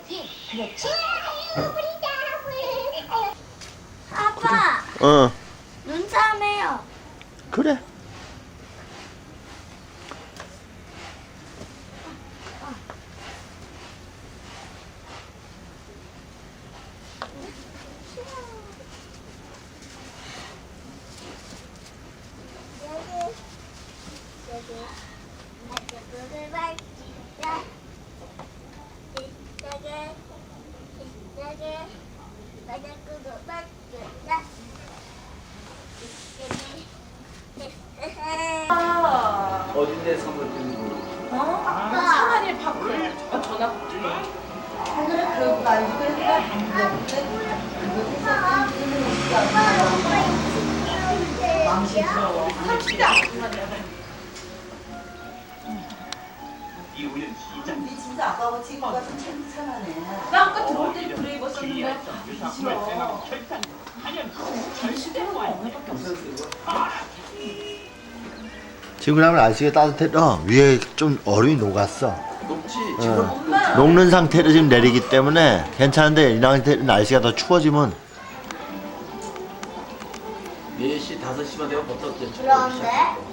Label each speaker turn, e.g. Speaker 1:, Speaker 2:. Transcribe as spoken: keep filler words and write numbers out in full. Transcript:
Speaker 1: 그렇지.
Speaker 2: 아빠,
Speaker 3: 어
Speaker 2: 눈싸움해요.
Speaker 3: 그래.
Speaker 4: 어딘데 선물 드는 거?
Speaker 1: 어? 상한이 파크. 어, 전화.
Speaker 5: 니 진짜 아까워 친구가 좀 참하네.
Speaker 1: 나 아까 들어올 때 그래 입었었는데. 싫어. 시대는 언니밖에 없어.
Speaker 3: 지금 그러면 날씨가 따뜻해서 위에 좀 얼음이 녹았어.
Speaker 4: 높지?
Speaker 3: 어. 녹는 상태로 지금 내리기 때문에 괜찮은데 이 상태 날씨가 더 추워지면
Speaker 4: 네 시, 다섯 시만 되면 벌써 이제
Speaker 2: 그런데?